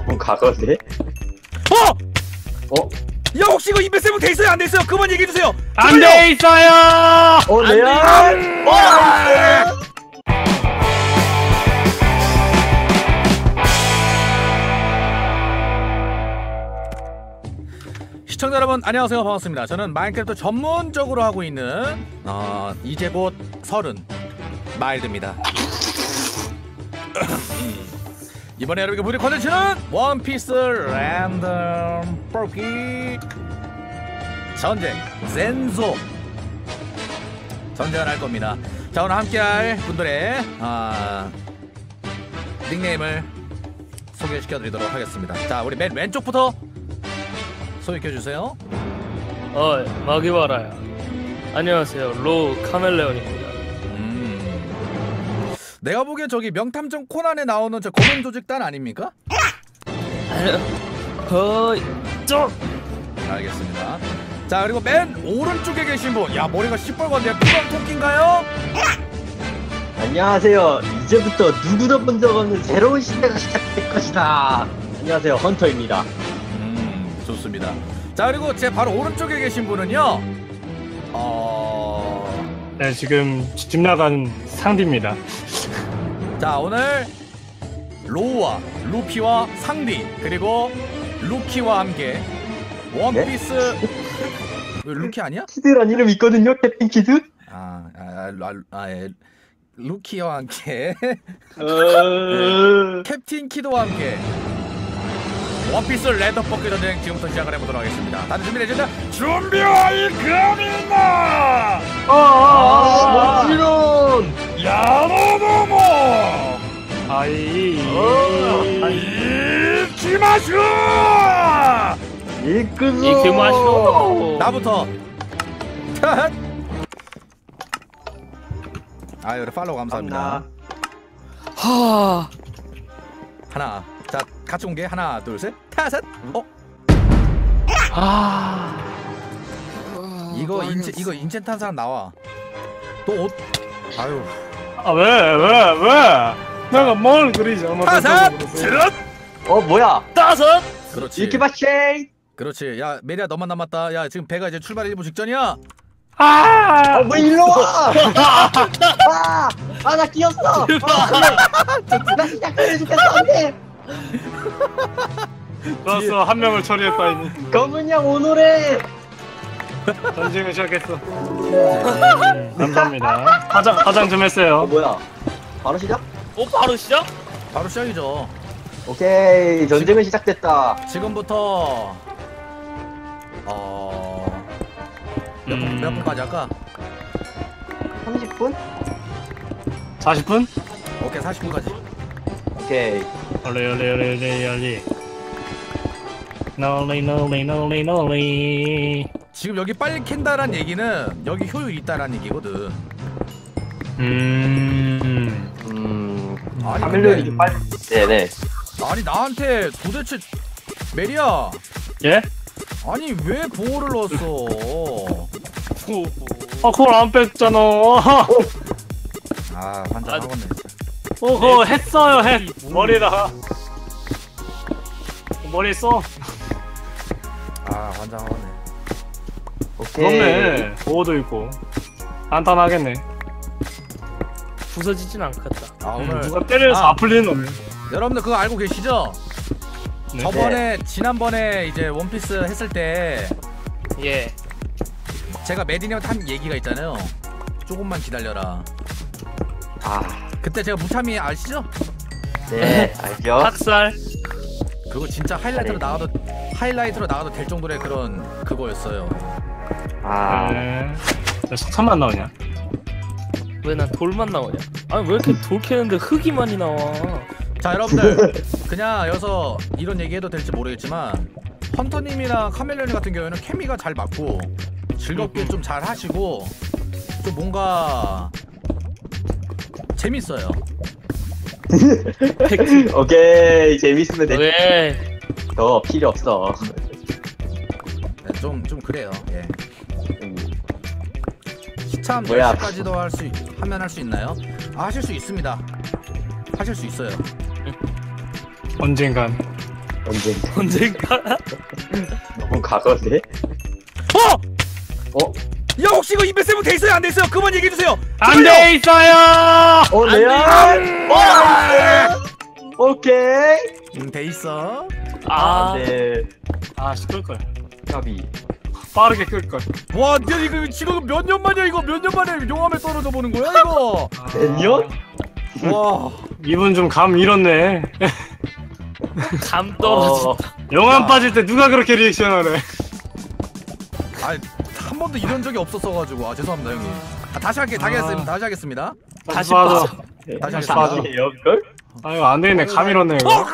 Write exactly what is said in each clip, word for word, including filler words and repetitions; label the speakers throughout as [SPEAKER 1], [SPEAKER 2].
[SPEAKER 1] 그건 과거인데?
[SPEAKER 2] 어!
[SPEAKER 1] 어?
[SPEAKER 2] 야 혹시 이거 인벤 세븐 돼 있어요? 안 돼 있어요? 그만 얘기해 주세요.
[SPEAKER 3] 안 돼 있어요.
[SPEAKER 1] 어, 레알? 어!
[SPEAKER 2] 시청자 여러분 안녕하세요, 반갑습니다. 저는 마인크래프트 전문적으로 하고 있는 어, 이제 곧 서른 마일드입니다. 이번에 여러분께 부릴 컨텐츠는 원피스 랜덤 뽑기 전쟁 젠소 전쟁을 할 겁니다. 자, 오늘 함께할 분들의 어, 닉네임을 소개시켜드리도록 하겠습니다. 자, 우리 맨 왼쪽부터 소개해주세요.
[SPEAKER 4] 어, 마기와라야. 안녕하세요, 로우 카멜레온입니다.
[SPEAKER 2] 음, 내가 보기엔 저기 명탐정 코난에 나오는 저 검은 조직단 아닙니까?
[SPEAKER 4] 거의 좀.
[SPEAKER 2] 알겠습니다. 자, 그리고 맨 오른쪽에 계신 분, 야 머리가 시뻘건데요. 피방 토끼인가요?
[SPEAKER 1] 안녕하세요. 이제부터 누구도 본 적 없는 새로운 시대가 시작될 것이다. 안녕하세요, 헌터입니다.
[SPEAKER 2] 음, 좋습니다. 자, 그리고 제 바로 오른쪽에 계신 분은요, 어...
[SPEAKER 3] 네, 지금 집 나간 상디입니다.
[SPEAKER 2] 자, 오늘 로우와 루피와 상디 그리고 루키와 함께 원피스 왜 루키 아니야?
[SPEAKER 1] 키드란 이름 있거든요, 캡틴 키드?
[SPEAKER 2] 아, 아, 아, 아 예. 루키와 함께
[SPEAKER 1] 어...
[SPEAKER 2] 네. 캡틴 키드와 함께 원피스 랜덤 뽑기 전쟁 지금부터 시작을 해보도록 하겠습니다. 다들 준비되셨나? 준비할 겁니다!
[SPEAKER 1] 아, 멋지론!
[SPEAKER 2] 야노노모!
[SPEAKER 3] 아이,
[SPEAKER 2] 이키마슈!
[SPEAKER 1] 이끄소!
[SPEAKER 4] 이키마쇼.
[SPEAKER 2] 나부터! 아유, 팔로우 감사합니다.
[SPEAKER 4] 하.
[SPEAKER 2] 하나, 자, 같이 온 게 하나, 둘, 셋, 타셋. 어?
[SPEAKER 4] 아.
[SPEAKER 2] 이거 인체 이거 인체 탄 사람 나와. 또 옷. 아유.
[SPEAKER 3] 아, 왜, 왜, 왜? 내가 뭘 그리지?
[SPEAKER 2] 타셋. 쯧.
[SPEAKER 1] 어, 뭐야?
[SPEAKER 4] 다섯.
[SPEAKER 2] 그렇지.
[SPEAKER 1] 이키바쉐이!
[SPEAKER 2] 그렇지. 야, 메리야 너만 남았다. 야, 지금 배가 이제 출발 일 분 직전이야.
[SPEAKER 3] 아,
[SPEAKER 1] 어, 뭐 일로 와! 아! 아, 나 끼었어! 아, 나 시작해 죽겠어, 안 돼!
[SPEAKER 3] 좋았어. 한 명을 처리했다 이미.
[SPEAKER 1] 검은 양 오노래!
[SPEAKER 3] 전쟁을 시작했어. 음, 감사합니다. 화장, 화장 좀
[SPEAKER 1] 어,
[SPEAKER 3] 했어요.
[SPEAKER 1] 뭐야? 바로 시작?
[SPEAKER 4] 오, 바로 시작?
[SPEAKER 2] 바로 시작이죠.
[SPEAKER 1] 오케이, 전쟁은 시작됐다.
[SPEAKER 2] 지금부터 어. 몇, 분,
[SPEAKER 3] 음.
[SPEAKER 2] 몇 분까지 할까?
[SPEAKER 1] 삼십 분?
[SPEAKER 3] 사십 분?
[SPEAKER 2] 오케이, 사십 분까지.
[SPEAKER 1] 오케이.
[SPEAKER 3] 얼리, 얼리, 얼리, 얼리, 얼리. 노리, 노리, 노리, 노리.
[SPEAKER 2] 지금 여기 빨리 캔다란 얘기는 여기 효율 있다란 얘기거든.
[SPEAKER 3] 음.
[SPEAKER 1] 음...
[SPEAKER 2] 아니,
[SPEAKER 1] 카멜레온이
[SPEAKER 2] 근데-
[SPEAKER 1] 좀 빨리... 네네.
[SPEAKER 2] 아니, 나한테 도대체 메리야,
[SPEAKER 3] 예?
[SPEAKER 2] 아니 왜 보호를 넣었어?
[SPEAKER 3] 아, 그걸 안 뺐잖아. 어,
[SPEAKER 2] 아, 환장하겠네.
[SPEAKER 3] 그거 했어요, 했. 머리다가. 머리 써.
[SPEAKER 2] 아, 환장하겠네.
[SPEAKER 1] 오케이.
[SPEAKER 3] 그렇네. 보호도 있고. 간단하겠네.
[SPEAKER 4] 부서지진 않겠다.
[SPEAKER 2] 아, 오늘
[SPEAKER 3] 음, 누가 때려서
[SPEAKER 2] 아.
[SPEAKER 3] 아플 리는 없네.
[SPEAKER 2] 여러분들 그거 알고 계시죠?
[SPEAKER 3] 네.
[SPEAKER 2] 저번에 지난번에 이제 원피스 했을 때
[SPEAKER 4] 예.
[SPEAKER 2] 제가 메디님한테 한 얘기가 있잖아요. 조금만 기다려라.
[SPEAKER 1] 아...
[SPEAKER 2] 그때 제가 무참히 아시죠?
[SPEAKER 1] 네, 알죠?
[SPEAKER 4] 학살.
[SPEAKER 2] 그거 진짜 하이라이트로 나가도 하이라이트로 나가도 될 정도의 그런 그거였어요.
[SPEAKER 1] 아...
[SPEAKER 3] 네. 왜 석탄만 나오냐?
[SPEAKER 4] 왜 난 돌만 나오냐? 아니 왜 이렇게 돌 캐는데 흙이 많이 나와?
[SPEAKER 2] 자, 여러분들 그냥 여기서 이런 얘기해도 될지 모르겠지만 헌터님이랑 카멜레온 같은 경우에는 케미가 잘 맞고 즐겁게 좀 잘 하시고 좀 뭔가 재밌어요.
[SPEAKER 1] 오케이, 재밌으면 돼.
[SPEAKER 4] 왜?
[SPEAKER 1] 더 필요 없어.
[SPEAKER 2] 네, 좀, 좀 그래요. 예.
[SPEAKER 1] 음,
[SPEAKER 2] 시참
[SPEAKER 1] 뭐야?
[SPEAKER 2] 열 시까지도 할 수 하면 할 수 있나요? 아, 하실 수 있습니다. 하실 수 있어요.
[SPEAKER 3] 언젠간.
[SPEAKER 1] 언젠가.
[SPEAKER 4] 언젠가?
[SPEAKER 1] 너무 과거네.
[SPEAKER 2] 어!
[SPEAKER 1] 어?
[SPEAKER 2] 야 혹시 이거 인벤 세븐 돼 있어요 안 돼 있어요? 그만 얘기해 주세요.
[SPEAKER 3] 안 돼 있어요.
[SPEAKER 1] 어, 레알? 와! 오케이.
[SPEAKER 2] 응, 돼 있어.
[SPEAKER 4] 아,
[SPEAKER 1] 네.
[SPEAKER 3] 아 끌걸.
[SPEAKER 1] 까비.
[SPEAKER 3] 빠르게 끌걸.
[SPEAKER 2] 와, 근데 이거 지금 몇 년 만이야 이거 몇 년 만에 용암에 떨어져 보는 거야 이거?
[SPEAKER 1] 몇 년?
[SPEAKER 2] 와,
[SPEAKER 3] 이분 좀 감 잃었네.
[SPEAKER 4] 감 떨어진다.
[SPEAKER 1] 어,
[SPEAKER 3] 영암
[SPEAKER 2] 야.
[SPEAKER 3] 빠질 때 누가 그렇게 리액션하래?
[SPEAKER 2] 아한 번도 이런 적이 없었어가지고 아 죄송합니다 형님. 아, 다시 할게 다시
[SPEAKER 3] 아.
[SPEAKER 2] 하겠습니다 다시 하겠습니다.
[SPEAKER 4] 다시
[SPEAKER 3] 봐도.
[SPEAKER 4] 빠져.
[SPEAKER 2] 다시
[SPEAKER 3] 다시
[SPEAKER 2] 하겠습니다.
[SPEAKER 3] 빠져.
[SPEAKER 1] 아니에요,
[SPEAKER 3] 아유 안 되겠네. 감 잃었네 이거.
[SPEAKER 2] 어,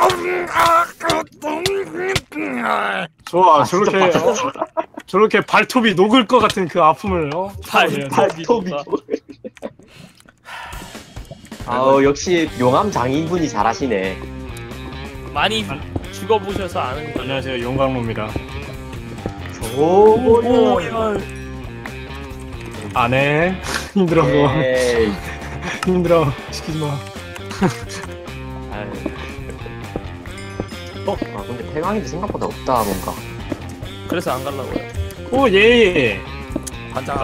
[SPEAKER 3] 좋아
[SPEAKER 1] 아,
[SPEAKER 3] 저렇게
[SPEAKER 1] 진짜
[SPEAKER 3] 어? 저렇게 발톱이 녹을 것 같은 그 아픔을 어?
[SPEAKER 4] 발-
[SPEAKER 3] 참아내야지.
[SPEAKER 1] 발톱이. 아우 역시 용암 장인분이 잘하시네.
[SPEAKER 4] 많이 죽어보셔서 아는 거.
[SPEAKER 3] 안녕하세요 용광로입니다.
[SPEAKER 1] 오,
[SPEAKER 3] 안해 힘들어
[SPEAKER 1] 에이.
[SPEAKER 3] 힘들어 시키지 마.
[SPEAKER 1] 아유. 어? 아 근데 태광이도 생각보다 없다 뭔가.
[SPEAKER 4] 그래서 안 갈라고요.
[SPEAKER 3] 오 예.
[SPEAKER 2] 반장.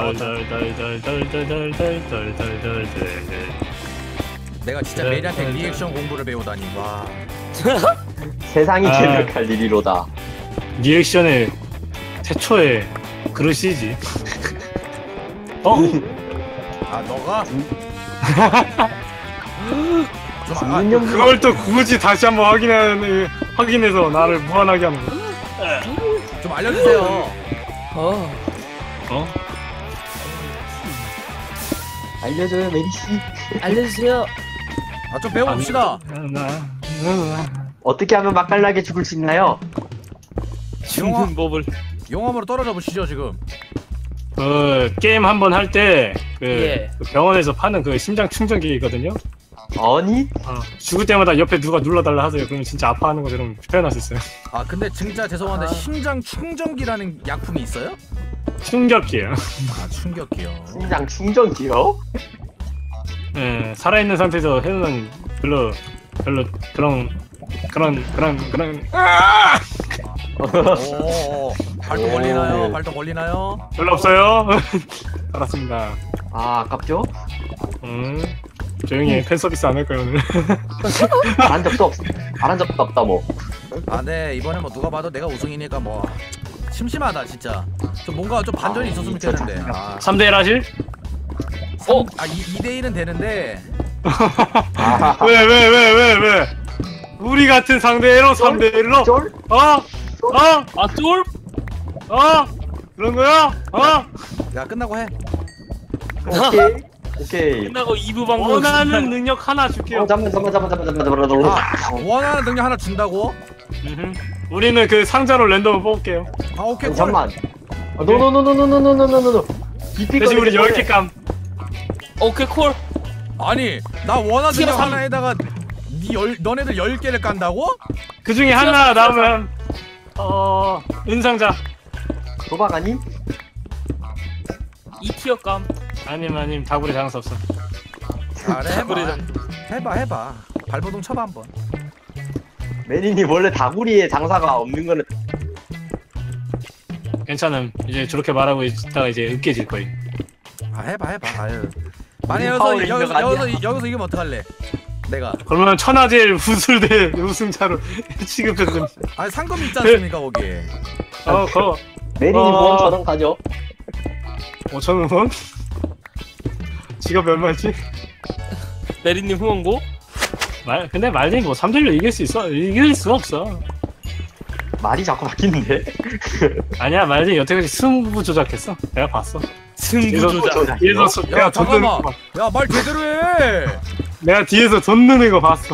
[SPEAKER 3] 덜덜덜덜덜덜덜덜덜덜.
[SPEAKER 2] 내가 진짜 메리한테 리액션 공부를 배우다니 와.
[SPEAKER 1] 세상이
[SPEAKER 3] 아.
[SPEAKER 1] 개벽할 일이로다.
[SPEAKER 3] 리액션의 최초의 그릇이지. 어?
[SPEAKER 2] 아 너가? 좀 아,
[SPEAKER 1] 죽는 년
[SPEAKER 3] 그걸 또 굳이 다시 한번 확인하는 확인해서 나를 무한하게 하는 거.
[SPEAKER 2] 좀 알려주세요.
[SPEAKER 4] 어.
[SPEAKER 3] 어?
[SPEAKER 1] 알려줘요 메리씨.
[SPEAKER 4] 알려주세요.
[SPEAKER 2] 아 좀 배워봅시다.
[SPEAKER 1] 어떻게 하면 맛깔나게 죽을 수 있나요?
[SPEAKER 4] 죽는 법을.
[SPEAKER 2] 용암으로 떨어져 보시죠 지금.
[SPEAKER 3] 그 게임 한 번 할 때 그
[SPEAKER 4] 예.
[SPEAKER 3] 병원에서 파는 그 심장 충전기 있거든요.
[SPEAKER 1] 아니?
[SPEAKER 3] 어, 죽을 때마다 옆에 누가 눌러달라 하세요. 그러면 진짜 아파하는 것처럼 표현할 수 있어요.
[SPEAKER 2] 아 근데 진짜 죄송한데
[SPEAKER 4] 아.
[SPEAKER 2] 심장 충전기라는 약품이 있어요?
[SPEAKER 3] 충격기예요.
[SPEAKER 2] 아 충격기요.
[SPEAKER 1] 심장 충전기요?
[SPEAKER 3] 예, 살아있는 상태에서 해놓으면 별로 별로 그런 그런 그런 그런 아!
[SPEAKER 2] 오 발톱
[SPEAKER 1] 오.
[SPEAKER 2] 걸리나요? 발톱 걸리나요?
[SPEAKER 3] 별로 없어요. 알았습니다.
[SPEAKER 1] 아 아깝죠?
[SPEAKER 3] 음, 조용히 해. 팬 서비스 안 할 거예요 오늘.
[SPEAKER 1] 안 적도 없. 안 한 적도 없다 뭐.
[SPEAKER 2] 아 네 이번에 뭐 누가 봐도 내가 우승이니까 뭐 심심하다 진짜. 좀 뭔가 좀 반전이
[SPEAKER 1] 아,
[SPEAKER 2] 있었으면
[SPEAKER 1] 진짜
[SPEAKER 2] 좋겠는데. 아,
[SPEAKER 3] 삼 대 일 하실?
[SPEAKER 2] 어? 아 이 대 일은 되는데.
[SPEAKER 1] 아,
[SPEAKER 3] 왜 왜 왜 왜 왜? 우리 같은 상대로 삼 대 일로?
[SPEAKER 1] 쫄?
[SPEAKER 3] 어? 어?
[SPEAKER 4] 아 쫄?
[SPEAKER 3] 어? 그런 거야? 어?
[SPEAKER 2] 야 끝나고 해.
[SPEAKER 1] 오케이. 오케이.
[SPEAKER 4] 끝나고 이 부 방송.
[SPEAKER 3] 원하는 능력 하나 줄게요.
[SPEAKER 1] 어, 잠만 잠만 잠만 잠만 잠만 잠만 잠만.
[SPEAKER 2] 아 원하는 능력 하나 준다고?
[SPEAKER 3] 음흠. 우리는 그 상자로 랜덤을 뽑을게요.
[SPEAKER 2] 아 오케이 콜.
[SPEAKER 1] 잠만. 노노노노노노노노노노.
[SPEAKER 3] 대신 우리 열 개 감.
[SPEAKER 4] 오케이 콜.
[SPEAKER 2] 아니 나 원하는 능력
[SPEAKER 4] 삼.
[SPEAKER 2] 하나에다가 니 열, 너네들 열 개를 깐다고?
[SPEAKER 3] 그 중에 하나 나오면 어 은상자.
[SPEAKER 1] 도박 아니?
[SPEAKER 4] 이 티어 감.
[SPEAKER 3] 아님 아님 다구리 장사 없어.
[SPEAKER 2] 잘해 해봐
[SPEAKER 4] 그래,
[SPEAKER 2] 해봐 해봐 발버둥 쳐봐 한번.
[SPEAKER 1] 메리님 원래 다구리에 장사가 없는 거는
[SPEAKER 3] 괜찮음. 이제 저렇게 말하고 있다가 이제 으깨질 거예요.
[SPEAKER 2] 아 해봐 해봐 아유. 만약 여기서
[SPEAKER 1] 파워레인저가
[SPEAKER 2] 여기서
[SPEAKER 1] 아니야.
[SPEAKER 2] 여기서 여기서 이기면 어떡할래? 내가
[SPEAKER 3] 그러면 천하제일 우술대 우승자로 취급해서
[SPEAKER 2] 아니 상금이 있지 않습니까 거기.
[SPEAKER 3] 어 그거
[SPEAKER 1] 메리님
[SPEAKER 3] 어.
[SPEAKER 1] 보험 저당 가죠.
[SPEAKER 3] 오천 원? 지갑 얼마지?
[SPEAKER 4] 메리님 후원고.
[SPEAKER 3] 말 근데 말린 뭐 삼 대 일로 이길 수 있어? 이길 수가 없어. 말이
[SPEAKER 1] 자꾸 바뀌는데.
[SPEAKER 3] 아니야 말린 여태까지 승부 조작했어. 내가 봤어.
[SPEAKER 4] 승부 조작.
[SPEAKER 1] 조작.
[SPEAKER 3] 뒤에서 소-
[SPEAKER 2] 야
[SPEAKER 3] 내가 돈 넣는
[SPEAKER 2] 잠깐만.
[SPEAKER 3] 거 봐.
[SPEAKER 2] 야 말 제대로 해.
[SPEAKER 3] 내가 뒤에서 돈 넣는 거 봤어.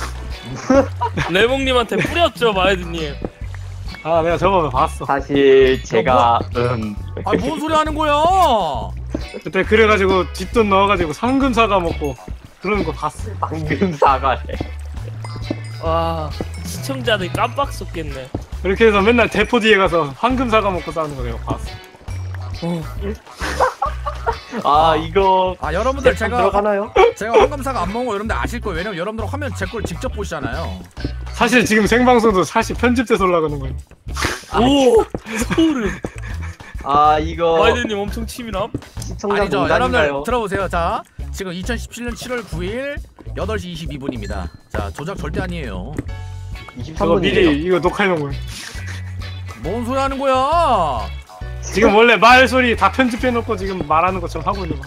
[SPEAKER 4] 레몽님한테 뿌렸죠 마이드님.
[SPEAKER 3] 아 내가 저거 봤어.
[SPEAKER 1] 사실 제가 음
[SPEAKER 2] 아뭔 소리 하는 거야?
[SPEAKER 3] 그때 그래가지고 뒷돈 넣어가지고 상금 사과 먹고 그러는 거 봤어.
[SPEAKER 1] 방금 사과래.
[SPEAKER 4] 와 시청자들 깜빡 속겠네.
[SPEAKER 3] 그렇게 해서 맨날 대포 뒤에 가서 황금 사과 먹고 싸우는 거 내가 봤어.
[SPEAKER 1] 아 이거
[SPEAKER 2] 아 여러분들
[SPEAKER 1] 제가
[SPEAKER 2] 제가
[SPEAKER 1] 들어가나요?
[SPEAKER 2] 제가 황금사가 안 먹은 거 여러분들 아실 거예요. 왜냐면 여러분들 화면 제 걸 직접 보시잖아요.
[SPEAKER 3] 사실 지금 생방송도 사실 편집돼서 올라가는 거예요.
[SPEAKER 4] 오 소름.
[SPEAKER 1] 아 이거
[SPEAKER 4] 와이드님 엄청 치밀함.
[SPEAKER 1] 시청자
[SPEAKER 2] 아니죠. 여러분들
[SPEAKER 1] 농담인가요?
[SPEAKER 2] 들어보세요. 자, 지금 이천십칠 년 칠월 구일 여덟 시 이십이 분입니다. 자, 조작 절대 아니에요.
[SPEAKER 3] 저거
[SPEAKER 1] 이십삼 분이에요.
[SPEAKER 3] 미리 이거 녹화해놓은 거예요.
[SPEAKER 2] 뭔 소리 하는 거야?
[SPEAKER 3] 지금 원래 말 소리 다 편집해놓고 지금 말하는 것처럼 하고 있는 거.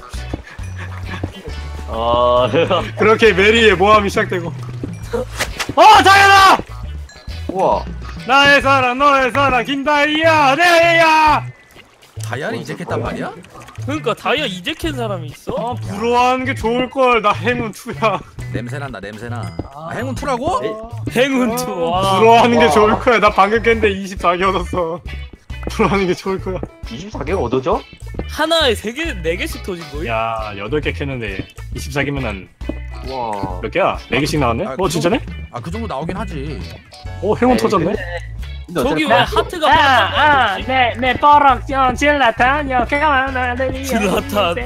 [SPEAKER 1] 어...
[SPEAKER 3] 그렇게 메리의 모함이 시작되고. 어, 다현아!
[SPEAKER 1] 우와.
[SPEAKER 3] 나의 사랑, 너의 사랑, 김다희야, 내야.
[SPEAKER 2] 다이아를 이제했단 말이야?
[SPEAKER 4] 그러니까 다이아 이제 캔 사람이 있어?
[SPEAKER 3] 어, 부러워하는 게 좋을 걸. 나 행운 투야.
[SPEAKER 2] 냄새 난다. 냄새 나. 아, 행운 투라고?
[SPEAKER 1] 에?
[SPEAKER 4] 행운 투. 와.
[SPEAKER 3] 부러워하는 게
[SPEAKER 1] 와.
[SPEAKER 3] 좋을 거야. 나 방금 깼는데 이십사 개 얻었어. 부러워하는 게 좋을 거야.
[SPEAKER 1] 이십사 개가 얻어져?
[SPEAKER 4] 하나에 세 개, 네 개씩 터진 거야?
[SPEAKER 3] 야, 여덟 개 캤는데 이십사 개면 한
[SPEAKER 1] 와.
[SPEAKER 3] 몇 개야? 네 개씩 나왔네?
[SPEAKER 2] 아,
[SPEAKER 3] 어,
[SPEAKER 2] 그
[SPEAKER 3] 진짜네?
[SPEAKER 2] 아, 그 정도 나오긴 하지.
[SPEAKER 3] 오, 행운
[SPEAKER 1] 에이,
[SPEAKER 3] 터졌네?
[SPEAKER 1] 근데- 근데
[SPEAKER 4] 저기
[SPEAKER 1] 어차피
[SPEAKER 4] 왜
[SPEAKER 1] 나-
[SPEAKER 4] 하트가
[SPEAKER 3] 아,
[SPEAKER 4] 반짝반짝이지?
[SPEAKER 3] 내, 내 뻐럭, 질라탄, 여기가
[SPEAKER 4] 질라탄.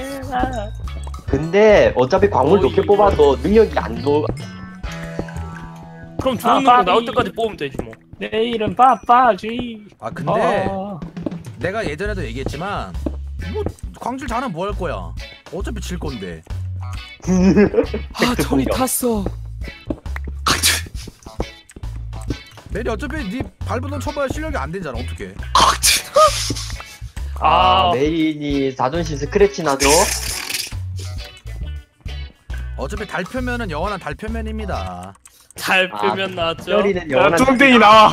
[SPEAKER 1] 근데 어차피 광물
[SPEAKER 4] 어,
[SPEAKER 1] 좋게
[SPEAKER 4] 이거-
[SPEAKER 1] 뽑아도 능력이 안 도.
[SPEAKER 4] 그럼
[SPEAKER 3] 아,
[SPEAKER 4] 좋은 거 나올
[SPEAKER 3] 빠비.
[SPEAKER 4] 때까지 뽑으면 되지 뭐.
[SPEAKER 3] 내 이름 빠빠지.
[SPEAKER 2] 아, 근데
[SPEAKER 3] 어.
[SPEAKER 2] 내가 예전에도 얘기했지만 뭐 광질 잘하면 뭐 할 거야? 어차피 질 건데.
[SPEAKER 4] 아 저리 탔어.
[SPEAKER 2] 메리 어차피 네 발부동 쳐봐야 실력이 안 되잖아. 어떻게?
[SPEAKER 1] 아,
[SPEAKER 4] 아.
[SPEAKER 1] 메인이 자존심 스크래치 나죠?
[SPEAKER 2] 어차피 달표면은 영원한 달표면입니다.
[SPEAKER 4] 잘
[SPEAKER 1] 아,
[SPEAKER 4] 표면 나왔죠.
[SPEAKER 1] 뼈리는
[SPEAKER 3] 야,
[SPEAKER 1] 영원한.
[SPEAKER 3] 뚱땡이 나와.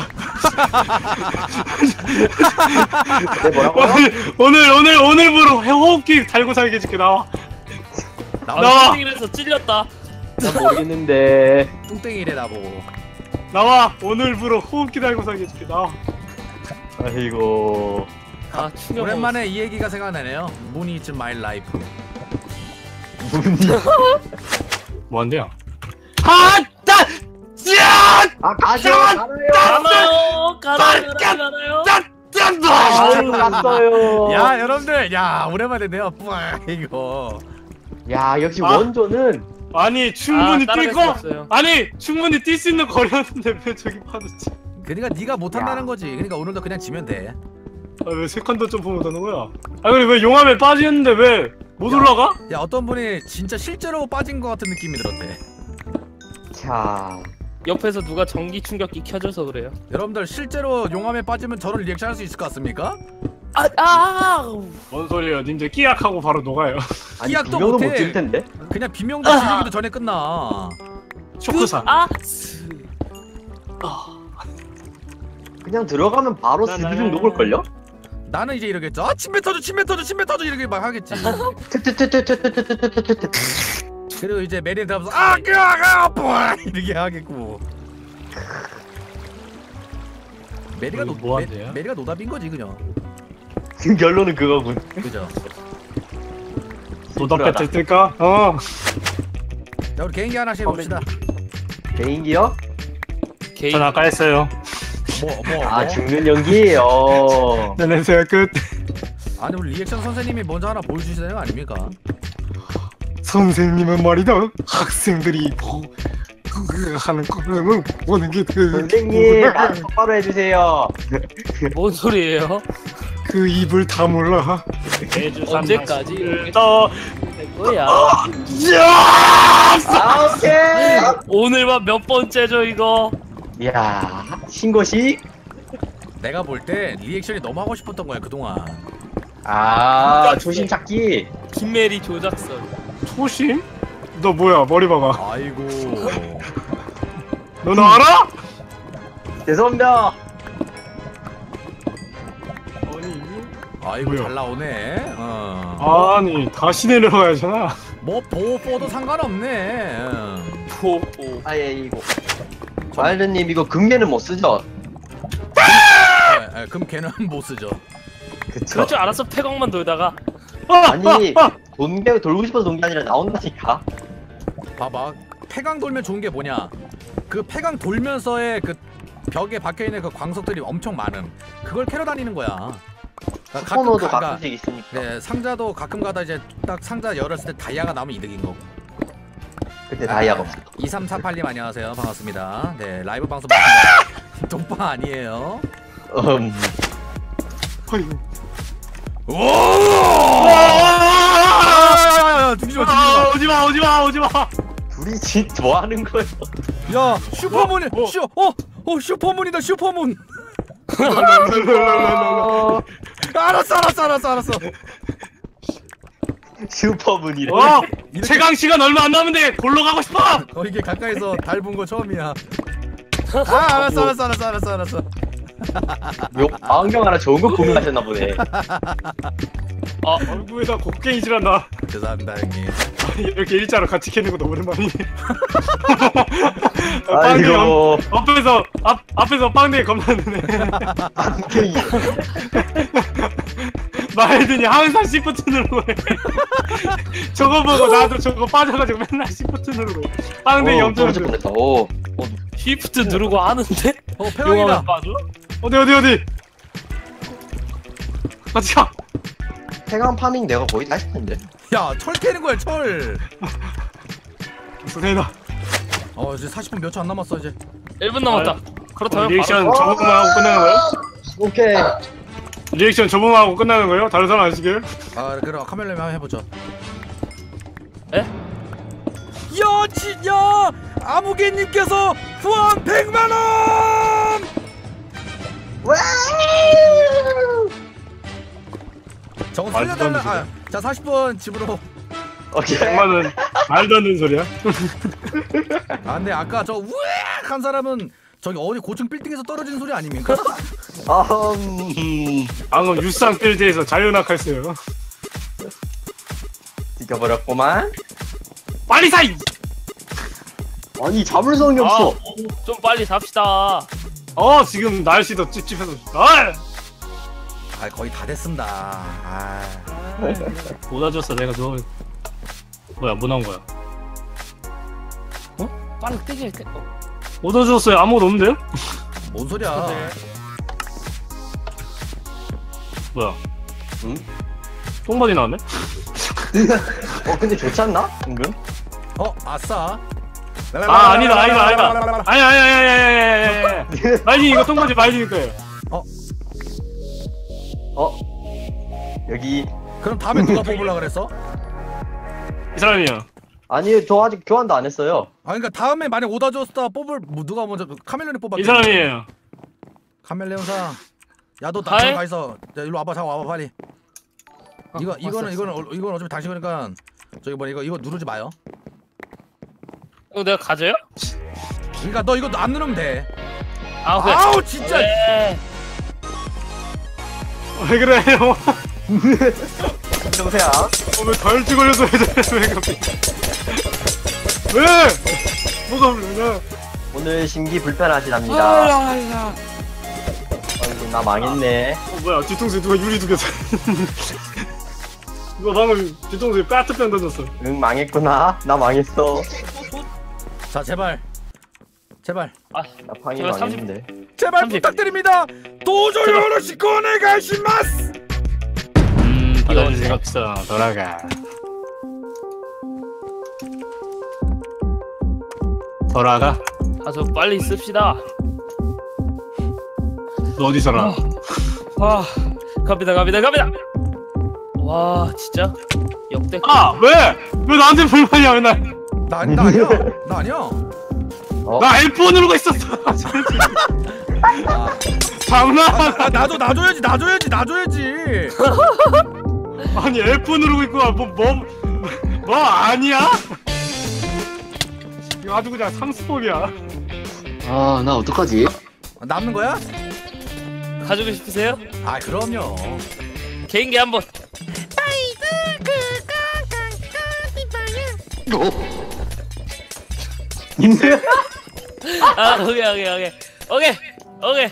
[SPEAKER 1] 네, 뭐라고?
[SPEAKER 3] 오늘, 오늘, 오늘, 오늘부로 호흡기 달고 살게 해줄게, 나와.
[SPEAKER 2] 나와.
[SPEAKER 3] 나와.
[SPEAKER 4] 땡이라서 찔렸다.
[SPEAKER 1] 난 모르겠는데.
[SPEAKER 2] 뚱땡이래 나보고.
[SPEAKER 3] 나와. 오늘부로 호흡기 달고 살게 해줄게, 나와.
[SPEAKER 1] 아이고.
[SPEAKER 4] 아 충격.
[SPEAKER 2] 오랜만에 이 얘기가 생각나네요. Moon is my life.
[SPEAKER 3] 뭔데요? 아, 따! 짜!
[SPEAKER 1] 아 가죠. 가나요?
[SPEAKER 4] 가나요? 가나요? 가나요?
[SPEAKER 1] 아유 갔어요.
[SPEAKER 2] 야 여러분들, 야 오랜만에 내가 뿌아 이거.
[SPEAKER 1] 야 역시
[SPEAKER 3] 아.
[SPEAKER 1] 원조는
[SPEAKER 3] 아니, 충분히
[SPEAKER 4] 아, 따라갈
[SPEAKER 3] 뛸 거?
[SPEAKER 4] 수 없어요.
[SPEAKER 3] 아니, 충분히 뛸 수 있는 거리였는데 왜 저기 빠졌지?
[SPEAKER 2] 그러니까 네가 못한다는
[SPEAKER 1] 야.
[SPEAKER 2] 거지. 그러니까 오늘도 그냥 지면 돼.
[SPEAKER 3] 아, 왜 세컨드 점프 못하는 거야? 아, 근데 왜 용암에 빠지는데 왜 못
[SPEAKER 2] 야.
[SPEAKER 3] 올라가?
[SPEAKER 2] 야 어떤 분이 진짜 실제로 빠진 것 같은 느낌이 들었대.
[SPEAKER 1] 자
[SPEAKER 4] 옆에서 누가 전기 충격기 켜줘서 그래요.
[SPEAKER 2] 여러분들 실제로 용암에 빠지면 저런 리액션 할 수 있을 것 같습니까?
[SPEAKER 4] 아, 아,
[SPEAKER 3] 뭔 소리예요? 님들 끼약하고 바로 녹아요.
[SPEAKER 1] 아니
[SPEAKER 2] 기약도
[SPEAKER 1] 두 명은
[SPEAKER 2] 못해.
[SPEAKER 1] 못질 텐데.
[SPEAKER 2] 그냥 비명도 지르기도 전에 끝나.
[SPEAKER 3] 쇼크사.
[SPEAKER 4] 아,
[SPEAKER 1] 그냥 들어가면 바로 스비중 녹을 걸요?
[SPEAKER 2] 나는 이제 이러겠죠. 아 침뱉 터져 침뱉 터져 침뱉 터져 이렇게 막 하겠지.
[SPEAKER 1] 트트트트트트트트트트.
[SPEAKER 2] 그리고 이제 메리 들어가면서 아 그아 아파 이렇게 하겠고. 메리가 노
[SPEAKER 3] 뭐
[SPEAKER 2] 메,
[SPEAKER 3] 한대요?
[SPEAKER 2] 메리가 노답인 거지 그냥.
[SPEAKER 1] 결론은 그거군.
[SPEAKER 2] 그죠.
[SPEAKER 3] 도덕 배틀 뜰까? 어.
[SPEAKER 2] 자 우리 개인기 하나씩 해봅시다.
[SPEAKER 1] 개인기요?
[SPEAKER 4] 개인.
[SPEAKER 3] 전 아까 했어요.
[SPEAKER 2] 뭐 뭐.
[SPEAKER 1] 아
[SPEAKER 2] 뭐?
[SPEAKER 1] 죽는 연기예요.
[SPEAKER 3] 내 냄새가 끝.
[SPEAKER 2] 아니 우리 리액션 선생님이 먼저 하나 보여주시는 거 아닙니까?
[SPEAKER 3] 선생님은 말이다. 학생들이 뭐 하는 거는 보는 게 그.
[SPEAKER 1] 선생님 말 똑바로 해주세요.
[SPEAKER 4] 뭔 소리예요?
[SPEAKER 3] 그 입을 다물라.
[SPEAKER 4] 언제까지?
[SPEAKER 3] 더.
[SPEAKER 4] 뭐야?
[SPEAKER 1] 아 오케이.
[SPEAKER 4] 오늘만 몇 번째죠 이거?
[SPEAKER 1] 야 신고식.
[SPEAKER 2] 내가 볼 때 리액션이 너무 하고 싶었던 거야 그동안.
[SPEAKER 1] 아 조심 찾기.
[SPEAKER 4] 김메리 조작설.
[SPEAKER 3] 초심? 너 뭐야? 머리 봐봐.
[SPEAKER 2] 아이고.
[SPEAKER 3] 너 나 알아?
[SPEAKER 1] 죄송합니다.
[SPEAKER 3] 아니.
[SPEAKER 2] 아이고
[SPEAKER 3] 뭐야?
[SPEAKER 2] 잘 나오네. 어.
[SPEAKER 3] 아니 다시 내려가야잖아.
[SPEAKER 2] 뭐 보호포도 상관없네. 응.
[SPEAKER 4] 포포.
[SPEAKER 1] 아예 이거. 와일드님 이거 금괴는 못 쓰죠?
[SPEAKER 2] 예, 예, 그럼 걔는 못 쓰죠.
[SPEAKER 1] 그쵸.
[SPEAKER 4] 그럴 줄 알았어 태광만 돌다가.
[SPEAKER 1] 아니 돈게 돌고 싶어서 돈 게 아니라 나온다니까.
[SPEAKER 2] 봐봐. 폐광 돌면 좋은 게 뭐냐? 그 폐광 돌면서의 그 벽에 박혀 있는 그 광석들이 엄청 많음. 그걸 캐러 다니는 거야. 그러니까
[SPEAKER 1] 코너도
[SPEAKER 2] 가-
[SPEAKER 1] 가끔씩 있으니까.
[SPEAKER 2] 네, 상자도 가끔 가다 이제 딱 상자 열었을 때 다이아가 나오면 이득인 거고.
[SPEAKER 1] 그때 다이아가 없어.
[SPEAKER 2] 이삼사팔님 안녕하세요. 반갑습니다. 네, 라이브 방송 맞습니다. 동방 아니에요.
[SPEAKER 1] 음.
[SPEAKER 2] 오! 죽이지 마,
[SPEAKER 3] 아,
[SPEAKER 2] 죽이지 마.
[SPEAKER 3] 오지마 오지마 오지마.
[SPEAKER 1] 둘이 진짜 뭐 하는 거야?
[SPEAKER 2] 야, 슈퍼문이,
[SPEAKER 3] 어, 어.
[SPEAKER 2] 슈, 어, 어, 슈퍼문이다, 슈퍼문.
[SPEAKER 1] 어,
[SPEAKER 2] 알았어, 알았어, 알았어, 알았어.
[SPEAKER 1] 슈퍼문이래.
[SPEAKER 3] 어 최강 시간 얼마 안 남은데 골로 가고 싶어.
[SPEAKER 2] 어, 이게 가까이서 달 본 거 처음이야. 아, 알았어, 알았어, 알았어, 알았어, 알았어.
[SPEAKER 1] 요 안경 하나 좋은 거 구매하셨나 보네.
[SPEAKER 3] 아 얼굴에다 곡괭이질 않나.
[SPEAKER 2] 죄송합니다, 형님.
[SPEAKER 3] 이렇게 일자로 같이 캐는 것도 오랜만이네. 빵대
[SPEAKER 1] 아이고
[SPEAKER 3] 앞에서 앞 앞에서 빵대 겁나네.
[SPEAKER 1] 안경이.
[SPEAKER 3] 말든지 항상 시프트 누르고 해. 저거 보고 나도 저거 빠져가지고 맨날 시프트 누르고 해. 빵대
[SPEAKER 1] 오,
[SPEAKER 3] 염전.
[SPEAKER 1] 떨어질 뻔했다. 오.
[SPEAKER 4] 쉬프트 누르고 하는데?
[SPEAKER 2] 어, 패왕이다.
[SPEAKER 4] 용암에 빠져?
[SPEAKER 3] 어디 어디 어디. 같이 가.
[SPEAKER 1] 태강 파밍 내가 거의 다 했는데.
[SPEAKER 2] 야, 철 캐는 거야, 철.
[SPEAKER 3] 선생이다.
[SPEAKER 2] 어, 이제 사십 분 몇 초 안 남았어, 이제.
[SPEAKER 4] 일 분 남았다. 그렇다면
[SPEAKER 3] 리액션
[SPEAKER 4] 바로
[SPEAKER 3] 저분만 하고 끝나는 거예요?
[SPEAKER 1] 오케이.
[SPEAKER 3] 리액션 저분만 하고 끝나는 거예요? 다른 사람 안 시켜요?
[SPEAKER 2] 아, 그럼 카멜레님 한번 해보죠.
[SPEAKER 4] 에?
[SPEAKER 2] 야, 진야! 아무개님께서 후원 백만 원!
[SPEAKER 1] 와!
[SPEAKER 2] 저거
[SPEAKER 3] 말도 안
[SPEAKER 2] 살려달라.
[SPEAKER 3] 되지.
[SPEAKER 2] 아, 자, 사십 분 집으로.
[SPEAKER 1] 오케이.
[SPEAKER 3] 백만 원 말도 안 되는 소리야?
[SPEAKER 2] 아, 근데 아까 저 우악 한 사람은 저기 어디 고층 빌딩에서 떨어지는 소리 아닙니까?
[SPEAKER 1] 아, 음.
[SPEAKER 3] 방금 유상 필드에서 자유낙하했어요.
[SPEAKER 1] 지켜버렸구만.
[SPEAKER 3] 빨리 사! 이-
[SPEAKER 1] 아니 자물성이 없어.
[SPEAKER 4] 좀 빨리 삽시다.
[SPEAKER 3] 어 지금 날씨도 찝찝해서 아!
[SPEAKER 2] 아, 거의 다 됐습니다. 아,
[SPEAKER 3] 못 와줬어 내가 너 뭐야 뭐 나온 거야?
[SPEAKER 4] 빨리 떼게 떼. 어.
[SPEAKER 3] 못 와줬어요 아무것도 없는데요?
[SPEAKER 2] 뭔 소리야?
[SPEAKER 4] 네.
[SPEAKER 3] 뭐야?
[SPEAKER 1] 응?
[SPEAKER 3] 똥바지 나왔네?
[SPEAKER 1] 어 근데 좋지 않나? 은근?
[SPEAKER 2] 어, 아싸.
[SPEAKER 3] 아 아니다 아니다 아니다 아니 아니 아니 아니 아니 아니 마이징 이거 똥바지 마이징일 거예요.
[SPEAKER 1] 어? 여기
[SPEAKER 2] 그럼 다음에 누가 뽑으려 그랬어?
[SPEAKER 3] 이 사람이요.
[SPEAKER 1] 아니 저 아직 교환도 안 했어요.
[SPEAKER 2] 아, 그러니까 다음에 만약 오다 줬다 뽑을 뭐 누가 먼저 카멜레온 뽑았.
[SPEAKER 3] 이 사람이에요.
[SPEAKER 2] 카멜레온상. 야, 너
[SPEAKER 4] 하이?
[SPEAKER 2] 나랑 가 있어. 야, 일로 와봐, 잠깐 와봐 빨리.
[SPEAKER 4] 어,
[SPEAKER 2] 이거
[SPEAKER 4] 왔어,
[SPEAKER 2] 이거는
[SPEAKER 4] 왔어.
[SPEAKER 2] 이거는 어, 이건 어차피 당신 거니까 저기 뭐야 이거 이거 누르지 마요.
[SPEAKER 4] 이거 내가 가져요?
[SPEAKER 2] 그러니까 너 이거 안 누르면 돼.
[SPEAKER 4] 아 그래.
[SPEAKER 2] 아우 진짜.
[SPEAKER 4] 네.
[SPEAKER 3] 왜 그래요?
[SPEAKER 1] 정세야.
[SPEAKER 3] 어, 왜 갈치 걸려서 왜 저래 왜 갑자기 왜? 뭐가 불러냐?
[SPEAKER 1] 오늘 심기 불편하시답니다.
[SPEAKER 4] 아, 야.
[SPEAKER 1] 아이고 나 망했네.
[SPEAKER 3] 어 뭐야 뒤통수에 누가 유리 두개 누가 방금 뒤통수에 까트병 던졌어.
[SPEAKER 1] 응 망했구나. 나 망했어.
[SPEAKER 2] 자, 제발. 제발.
[SPEAKER 4] 아,
[SPEAKER 1] 나 방이
[SPEAKER 4] 제발 삼십
[SPEAKER 1] 망했는데.
[SPEAKER 2] 제발
[SPEAKER 4] 삼십.
[SPEAKER 2] 부탁드립니다. 도저히 어르시 꺼내가시마스.
[SPEAKER 3] 음
[SPEAKER 4] 이거
[SPEAKER 3] 생각 없어 돌아가 돌아가.
[SPEAKER 4] 가서 빨리 씁시다.
[SPEAKER 3] 너 어디 살아?
[SPEAKER 4] 아, 갑니다, 갑니다, 갑니다. 와, 진짜 역대.
[SPEAKER 3] 아 왜? 왜 나한테 불만이야 맨날?
[SPEAKER 2] 나, 나 아니야. 나 아니야.
[SPEAKER 1] 어?
[SPEAKER 3] 나 엘포 누르고 있었어.
[SPEAKER 2] 아,
[SPEAKER 3] 장난.
[SPEAKER 2] 아, 나도 놔줘야지, 놔줘야지, 놔줘야지.
[SPEAKER 3] 아니 엘포 누르고 있고 뭐뭐뭐 뭐 아니야? 이거 아주 그냥 상수법이야.
[SPEAKER 1] 아 나 어떡하지?
[SPEAKER 2] 남는 거야?
[SPEAKER 4] 가지고 싶으세요?
[SPEAKER 2] 아, 그럼요.
[SPEAKER 4] 개인기 한번. 아, 오케이, 오케이, 오케이, 오케이, 오케이.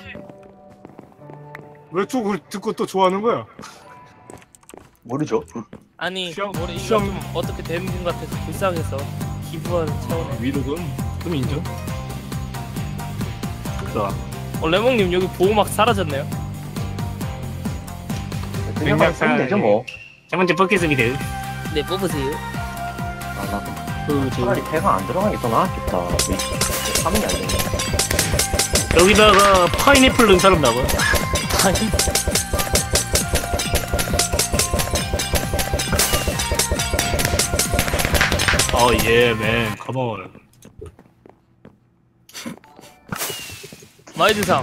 [SPEAKER 3] 왜 쪽을 듣고 또 좋아하는 거야?
[SPEAKER 1] 모르죠.
[SPEAKER 4] 아니,
[SPEAKER 3] 시험,
[SPEAKER 4] 우리 이거
[SPEAKER 3] 시험.
[SPEAKER 4] 좀 어떻게 되는 것 같아서 불쌍해서 기부하는 차원에.
[SPEAKER 3] 위로금 좀 인정. 자,
[SPEAKER 4] 어, 레몽님 여기 보호막 사라졌네요.
[SPEAKER 1] 그냥 쓰면 되죠 뭐.
[SPEAKER 3] 첫 번째 포켓스입니다.
[SPEAKER 4] 네, 뽑으세요.
[SPEAKER 1] 아, 나
[SPEAKER 3] 그지.
[SPEAKER 1] 차라리 배가 안 들어간 게 더 나았겠다. 하면 안 되네.
[SPEAKER 3] 여기다가 파인애플 넣은 사람 나와.
[SPEAKER 4] 아니
[SPEAKER 3] 어, 예, 맨, 컴온.
[SPEAKER 4] 마이드상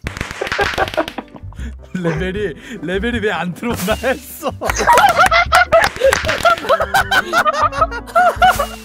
[SPEAKER 2] 레벨이 레벨이 왜 안 들어오나 했어.